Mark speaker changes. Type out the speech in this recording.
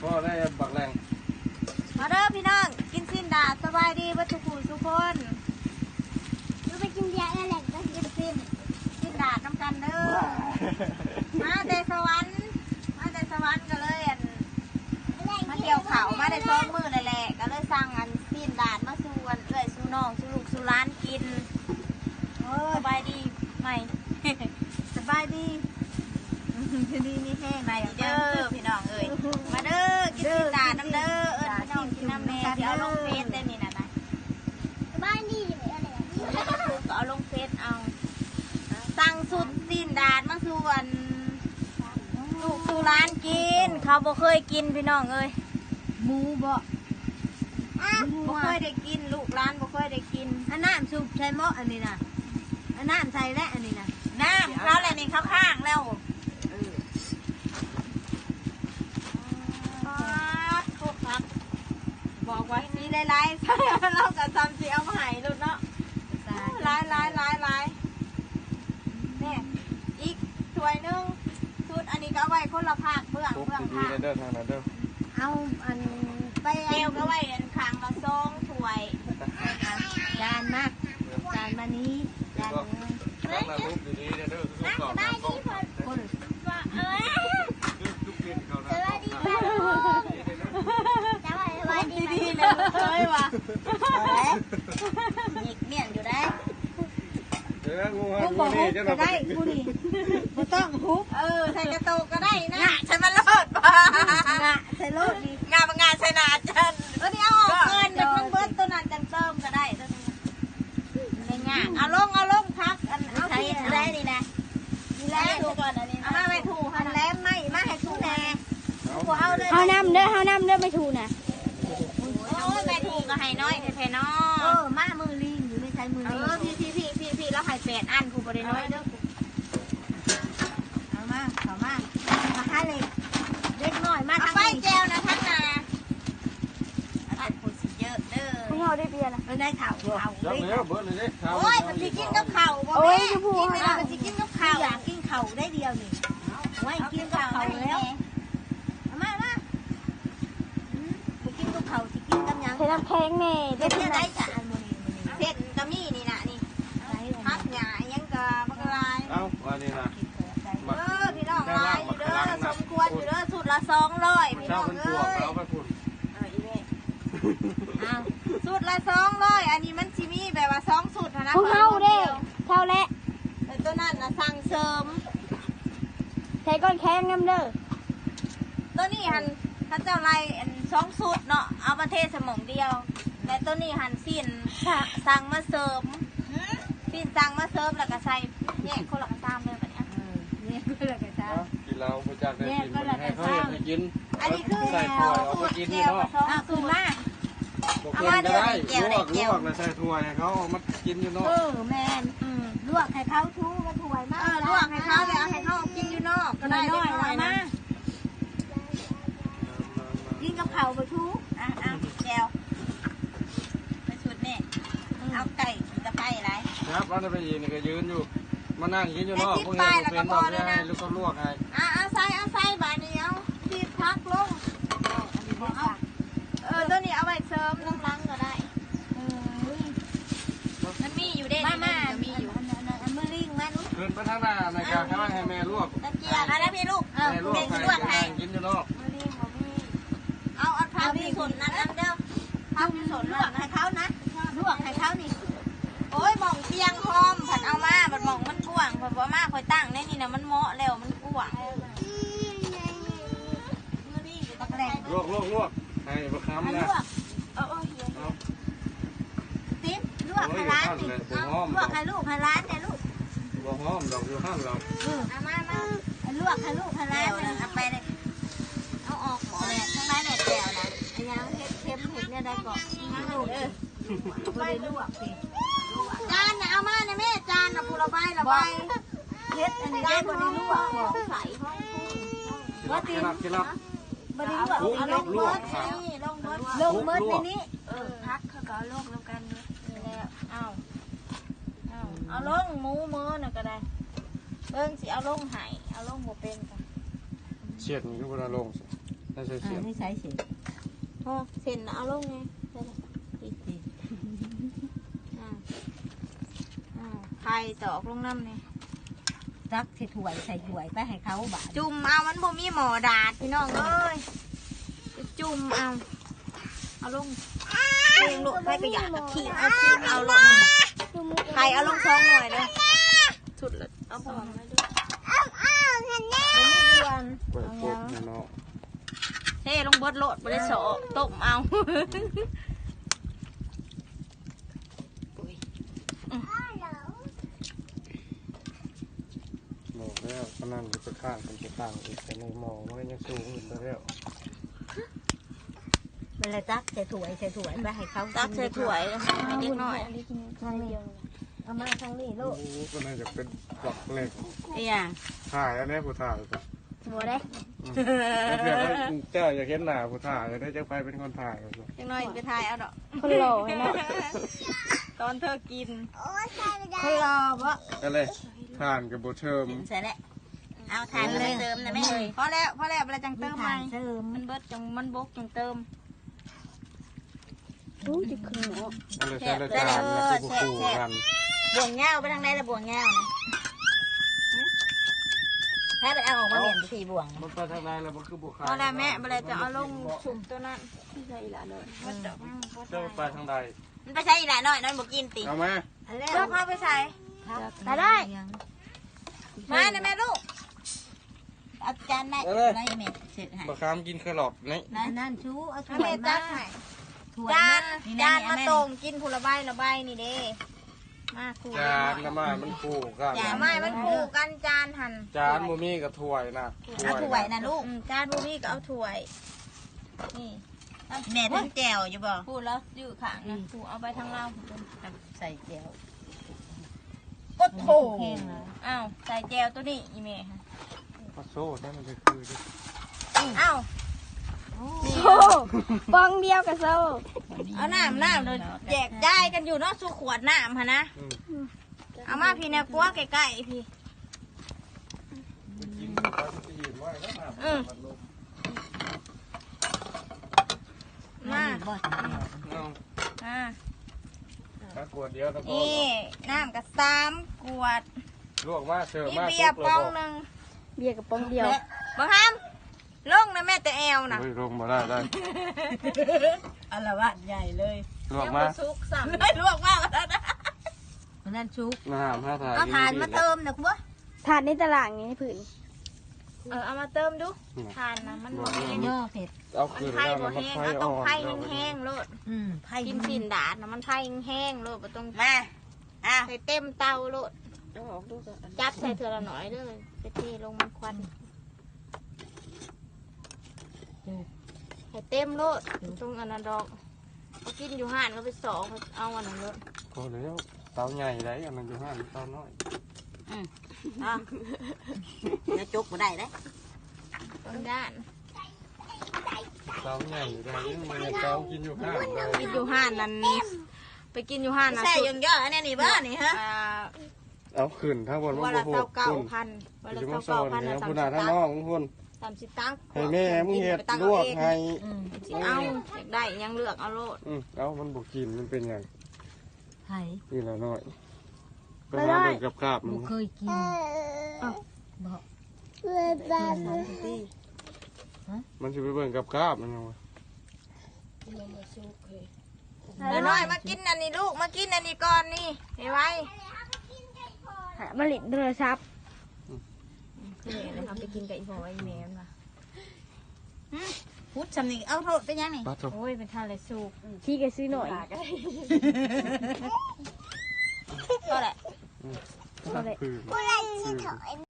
Speaker 1: ก็ได้บักแรง
Speaker 2: มาเด้อพี่น้องกินสิ้นดาสบายดีวัตถุผู้ทุกคนดูไปกินยาแหลกก็กินสิ้นดาน้ำกันเด้อมาแต่สวรรค์ก็เลยมาเกี่ยวเขามาได้ซ้อมมือนั่นแหละก็เลยสั่งสิ้นดามาสู่เอื้อยสู่น้องสู่ลูกสู่ร้านกินสบายดีไหม สบายดีดีนี่แห้งไปเด้อพี่น้องเอ้ยมาเด้อกินสิ้นดาน้ำเด้อพี่น้องกินน้ำแม่เดี๋ยวลงเฟซได้นี่นะสบายดีอะไรก็เอาลงเฟซเอาสั่งสุดสิ้นดามาสู่ลูกสู่ร้านกินเขาบ่เคยกินพี่น้องเอ้ยหมูบ่เคยได้กินลูกร้านบ่เคยได้กินอันน้ำซุปใส่หม้ออันนี้นะอันน้ำใส่และอันนี้นะน้ำแล้วอะไรนี่ข้างๆแล้วครับบอกไว้นี่ได้ไลฟ์เรากับจำเสียมาหายลุดเนาะไลฟ์เนี่ยอีกถ้วยนึงชุดอันนี้ก็เอาไว้คนละภาคเบื้องภาค
Speaker 1: เด้อทางนั้นเด้อ
Speaker 2: เอาอันไปเอวก็ไว้ขางละซองถ้วยจานมากจานมานี้จานนึง
Speaker 1: นั่งรูปดีๆเด้อทุกคน
Speaker 2: คน
Speaker 1: ทุกเดือนเขานะ
Speaker 2: ดีๆเลยเลยว่ะหยิกเมี่ยงอยู่ได้
Speaker 1: งูนี่จะ
Speaker 2: ได้งูนี่ไม่ต้องฮุบใส่กระโตกก็ได้นะใส่มาโลดป่ะใส่โลดนี่งานใส่นาจันนี่เอาออกเงินเดี๋ยวมันเบิร์ตตัวนั้นจังเติมก็ได้ตัวนี้ในงานเอาลงพักเอาใส่ได้ดีนะดีแล้วถูกก่อนอันนี้เอามาไม่ถูกหันแล้วไม่มาให้ถูกแน่
Speaker 3: เอาน้ำเด้อไม่ถูกนะ
Speaker 2: โอ้ยไม่ถูกก็ให้น้อยแท้ๆน้อมามือลิงอยู่ไม่ใช่มือลิงพี่แล้วให้8 อันครูบริน้อยเด้อเอามาค่าเลยเล็กน้อยมาทางนี้ไปแจวนะท่านนาอันคนสิเยอะเด้อ
Speaker 3: พวกเราได้เบียร์นะ
Speaker 2: ได้ข่าว
Speaker 1: เบิร์ดเลยดิ
Speaker 2: โอ้ยมันสิกินกับข่าวบ่แม่กินไม่ได้มันสิกินกับข่าวอยากกินข่าวได้เดียวนี่ไว้กินกับข่าวแล้วเอามาไปกินกับข่าวสิกินกับยัง
Speaker 3: ใช้น้ำแข็งแม่
Speaker 2: ได้เพื่อได้จ้ะอันมื้อนี้เส้นกะมี่นี่นะนี่พักหญ้ายังกะบักลาย
Speaker 1: เอาอันนี้นะ
Speaker 2: พี่น้องลายอยู่เด้อสมควรอยู่เด้อสุดละ200พี่น้องเอ้ย
Speaker 1: เอาไปพุ่น
Speaker 2: อีเว้ยสุดละ200อันนี้มันสิมีแบบว่า2สุดนะ
Speaker 3: พวกเราเด้เท่าและ
Speaker 2: ตัวนั้นน่ะสั่งเสริม
Speaker 3: ใช้ก้อนแข็งน้ำเด้อ
Speaker 2: ตัวนี้หันถ้าเจ้าไล่2สุดเนาะเอามาเทสมองเดียวแต่ตัวนี้หันสิ้นสั่งมาเสริมสิ้นสั่งมาเสริมแล้วก็ใส่แยกคนละกระซามเลยแบบนี้เนี่ยคนละกระซาม
Speaker 1: กินเราไปจากได้กินให้เขาให้กิน
Speaker 2: อันนี้คือ
Speaker 1: ใส่ถ้วยเอาไปกินนี่เนาะ
Speaker 2: คืนมา
Speaker 1: เอามาได้ลวกเลยใส่ถ้วยให้เขามากินอยู่เนาะ
Speaker 2: แมนลวกให้เขาทูกระถวยมากลวกให้เขาเลยให้เขากินอยู่นอกก็ได้น้อยนะกินกับเผาไปทูแก้วไปชุดนี่เอาไก่ตะไคร้อะไร
Speaker 1: ครับเราจะไปยืนก็ยืนอยู่มานั่งกินอยู่เนาะพวกนี้เป็นบอกให้ลูกก็ลวกให้
Speaker 2: เอาใส่บาเนียวตีพักลงตัวนี้เอาไว้เสริมน้ำล้างก็ได้มันมีอยู่เด้มามีอยู่มือลิงมาลูก
Speaker 1: เดินไปทางหน้าในการให้แม่ลวก
Speaker 2: ตะเกียบอะไรพี่ลูก
Speaker 1: แม่ลวกให้กินอยู่เนาะ
Speaker 2: มือลิงเอาพับที่สนนั้นเด้อพับที่สนลวกให้เขานะลวกให้เขานี่โอ้ยมองเตียงหอมผัดเอามาผัดมองมันกว้างผัดว่ามาคอยตั้งนี่นะมันเหมาะแล้วมันกว้างมือลิงตะแกรง
Speaker 1: ลวกให้ประคำนะ
Speaker 2: ติ๊บลวกให้ร้านนี่ลวกให้ลูกให้ร้านเนี่ยลูก
Speaker 1: บ่หอมดอกอยู่ห้างเรา
Speaker 2: เอามาลวกให้ลูกให้ร้านเนี่ยเอาไปเลยเอาออกหมดเลยทั้งร้านเนี่ยแจ่วนะไอ้ยังเค็มเห็ดเนี่ยได้ก่อนงั้นลูกไปลวกสิจานน่ะเอามาเนี่ยแม่จานน่ะปูระบายเฮ็ดอันนี้ได้บริลวกใส่
Speaker 1: ว่าตีน
Speaker 2: บริลวกเอาลงเบิร์ดนี่ลงเบิร์ดในนี้พักเขาก็ลงแล้วกันนี่แล้วเอาลงหมูมือน่ะก็ได้สิเอาลงหายเอาลงหมูเป็นกัน
Speaker 1: เฉียดนี่ก็บ่ได้ลงใส่เสียบ
Speaker 4: นี่ใช้เสีย
Speaker 2: โอ้เส้นเอาลงไง
Speaker 4: อีกที
Speaker 2: ไข่ตอกลงน้ำนี่
Speaker 4: ตักใส่ถ้วยใส่ถ้วยไปให้เขาบาด
Speaker 2: จุ่มเอามันบ่มีหมอดาดพี่น้องเอ้ยจุ่มเอาลงเองลูกใครก็อยากจะขีดเอาลงไข่เอาลงซองหน่อยเลยสุดเลยเอาพอมาด้วยไม่มีเดือน
Speaker 1: เปิดปุ๊บเนาะ
Speaker 2: เท่ลงเบิดโลดบ่ได้โสต้มเอา
Speaker 1: บอกแล้วก็นั่นจะไปข้างกันจะข้างอีกแต่ในหมอมันยังสูงอยู่แล้ว
Speaker 4: เวลาตักใส่ถ้วยใส่ถ้วยไปให้เขา
Speaker 2: ตักใส่ถ้วยให้เด็กน้อย
Speaker 3: ทางเดียว
Speaker 4: เอามาทางนี้ลูก
Speaker 1: โอ้ก็น่าจะเป็นหลักเหล็ก
Speaker 4: ไอ้ยัง
Speaker 1: ถ่ายอันนี้ผู้ถ่ายก็
Speaker 3: บัวได้
Speaker 1: เดี๋ยวเจ้าอยากเห็นหน้าผู้ถ่ายได้จะไปเป็นคนถ่ายก็
Speaker 2: เด็กน้อยไปถ่ายเอาดอก
Speaker 3: คนหล่อเนาะ
Speaker 2: ตอนเธอกิน
Speaker 4: เขารอบ่
Speaker 1: อะไรทานกับโบเทิม
Speaker 4: ใส่แล้ว
Speaker 2: เอาทานเลยเติมนะแม่พอแล้วเวลาจังเติมใหม่
Speaker 4: เติม
Speaker 2: มันเบิดจังมันบกจังเติม
Speaker 3: รู้จิขึ้นเนาะ
Speaker 1: อะไรใช่แล้วทานแล้วก็คู่กัน
Speaker 2: บ่วงเงาไปทางไหนละบ่วงเงานะ
Speaker 4: ให้ไปเอาออกมาเหรียญทีบ่วง
Speaker 1: มันไปทางไหนแล้วมันคือบุคคล
Speaker 2: พอแล้วแม่เวลาจะเอาลงสุ่มตัวนั้น
Speaker 3: ที่ใส่ละเลย
Speaker 2: มันดอก
Speaker 1: เจ้าไปทางใด
Speaker 2: มันไปใช้อีหลาน้อยน้อยบอกกินติ
Speaker 1: เอาไหม
Speaker 2: เลือกเอาไปใส่
Speaker 3: ได้
Speaker 2: มานะแม่ลูกอาจารย์ได้
Speaker 4: ได้เม็ดเสร็จหาย
Speaker 1: บะคามกินแครอทนี่
Speaker 4: นั่นชูเอาถ้
Speaker 2: ถ้า
Speaker 4: วย
Speaker 2: แม่
Speaker 4: มา
Speaker 2: จัดให้
Speaker 4: ถ้วย
Speaker 2: จาน
Speaker 4: นี่
Speaker 2: จาน
Speaker 4: นี่
Speaker 2: มา
Speaker 4: แม่
Speaker 2: ตรงกินผลไม้ละใบนี่เด้มาคู่
Speaker 1: จานน้ำมันมันคู่กัน
Speaker 2: จานไม่มันคู่กันจานหั่น
Speaker 1: จานมูมี่กับถ้วยนะ
Speaker 4: เอาถ้วยนะลูก
Speaker 2: จานบูมี่ก็เอาถ้วยนี่
Speaker 4: แม่ทั้งแจวอยู่บ่
Speaker 2: พูดแล้วยืดขางนะพูเอาไปทางเรา
Speaker 4: ใส่แจว
Speaker 2: ก็โถ
Speaker 4: แห้งแล้ว
Speaker 2: อ้าวใส่แจวตัวนี้อีเมย์ค่ะ
Speaker 1: ปลาโซ่ได้มันจะคือ
Speaker 2: อ้าว
Speaker 3: โซ่ปองเดียวกับโซ่
Speaker 2: เอาน้ำเลยแจกจ่ายกันอยู่เนาะสู้ขวดน้ำฮะนะเอามาพี่เนี่ยกลัวใกล้ๆพี่
Speaker 1: กินไปจะยืนไว้แล้วนะ
Speaker 2: มา
Speaker 4: บ่
Speaker 2: อ่า
Speaker 1: ถ้ากวดเดียวตะโก
Speaker 2: นี่น้ำกับ3 ขวด
Speaker 1: ลวกมาเสิร์ฟ
Speaker 2: มี
Speaker 1: มา
Speaker 2: เบียร์ปองหนึ่ง
Speaker 3: เบียร์กับปองเดียว
Speaker 2: บังคับลงนะแม่แต่แอวนะ
Speaker 1: เฮ้ยลงมาได้
Speaker 4: อละวาดใหญ่เลย
Speaker 1: ลวกมา
Speaker 2: ซุกสั่งได้ลวกมากแล้วนะ
Speaker 4: นั่นชุก
Speaker 1: น้ำห้าถ่าย
Speaker 4: เอาทานมาเติมนะคุณบ่
Speaker 3: ถาดในตลาดนี้ผืน
Speaker 2: เอามาเติมดูทานนะมันบ่แห้ง
Speaker 4: ย่อเผ็ด
Speaker 1: เอา
Speaker 2: มัน
Speaker 1: คืน
Speaker 2: ไผ่
Speaker 1: แล้ว
Speaker 2: บ่
Speaker 1: มัน
Speaker 2: แห้ง
Speaker 1: ไฟ
Speaker 2: เอา
Speaker 1: อ่
Speaker 2: ต้อง
Speaker 1: อน
Speaker 2: ไผ่แห้งๆโลด
Speaker 4: ไผ่
Speaker 2: กินสินดาดนะมันไผ่แห้งโลดบ่ต้อง
Speaker 4: มาอ่ะ
Speaker 2: ใส่เต็มเตาโลดจับใส่เถื่อละหน่อยเด้อไปเทลงมันควันใส่เต็มโลดตรงอันนั้นดอกเอากินอยู่ห้านก็ไปสองเอาอันนั้นโลด
Speaker 1: โอ้แล้วเตาใหญ่ไรอันนั้นอยู่ห้างเตาน้อย
Speaker 4: อ่ะจะจุกบ่ได้เด้
Speaker 2: ตรงด้าน
Speaker 1: เตาใหญ่ไรมันเตากินอยู่ห้างได้
Speaker 2: กินอยู่ห้านนั้นไปกินอยู่ห้านนะ
Speaker 4: ใส่
Speaker 2: สุด
Speaker 4: ยังย่ออันนี้นี่บ้านี่ฮะ
Speaker 1: เอาขึ้นทั้งบน
Speaker 2: วัน
Speaker 1: บ่
Speaker 2: ละ
Speaker 1: โห
Speaker 2: เท่า
Speaker 1: คุณ
Speaker 2: 9,000วันละ
Speaker 1: จะมา
Speaker 2: เท่า
Speaker 1: สอน
Speaker 2: 9,000
Speaker 1: เนี่ย
Speaker 2: นะ
Speaker 1: คุณอาทั้งน้องคุณ
Speaker 2: 30 ตังค์
Speaker 1: ให้แม่มึงเห็ดลวกให้
Speaker 2: สิเอาอยากได้ยังเลือกเอาโลด
Speaker 1: เอามันบุกินมันเป็นอย่าง
Speaker 4: ไผ่
Speaker 1: นี่ละน้อยไปหาเบิ่งกับกาบมัน
Speaker 4: บ่เคยกินบ่
Speaker 1: มันจะไปเบิ่งกับกาบมันยังวะ
Speaker 2: เดี๋ยวน้อยมากินอันนี้ลูกมากินอันนี้ก่อนนี่ให้ไว้
Speaker 3: มาลิดโทรศัพท์
Speaker 2: นี่นะครับไปกินกับอีพ่อไอ้แม่มา
Speaker 4: พุทธสำนึกเอาโทษเป็นยังนี่
Speaker 1: ปลาโถ
Speaker 2: โอ้ยเป็นท่าไรสุก
Speaker 3: ที่แกซื้อหน่อย
Speaker 2: ก็แหละ
Speaker 1: คือ